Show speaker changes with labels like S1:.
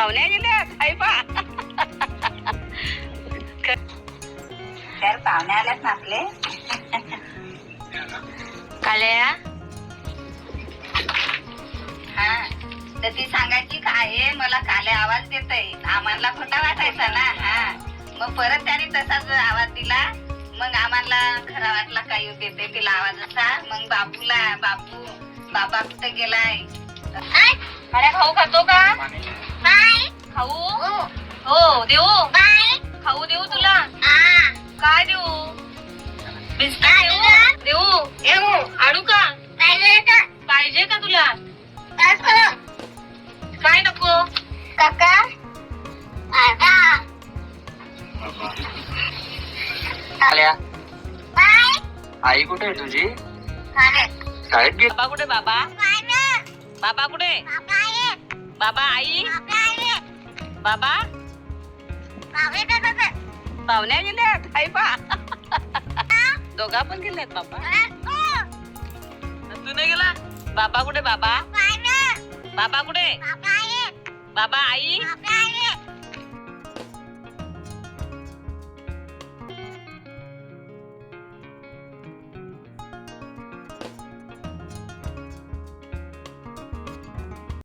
S1: पाहुण्या गेल्यात आई पा
S2: तर पाहुणे आल्यात ना आपले.
S1: काल्या
S2: हा तर ती सांगायची काय मला काले आवाज देतय. आम्हाला खोटा वाटायचा ना. हा मग परत त्याने तसाच आवाज दिला. मग आम्हाला खरा वाटला काय देते तिला आवाज असा. मग बाबा कुठे गेलाय.
S1: काल्या खाऊ खातो का खाऊ हो देऊ खाऊ देऊ तुला काय देऊ बिस्किट देऊ आडू का पाहिजे का तुला काय नको
S2: काका
S3: आई कुठे आहे तुझी? शाळेत गेली.
S1: बाबा कुठे बाबा बाबा कुठे बाबा आई बाबा पाहुण्या गेल्यात आई पा दोघा पण गेल्यात बाबा. तू नाही गेला बाबा कुठे बाबा बाबा कुठे बाबा आई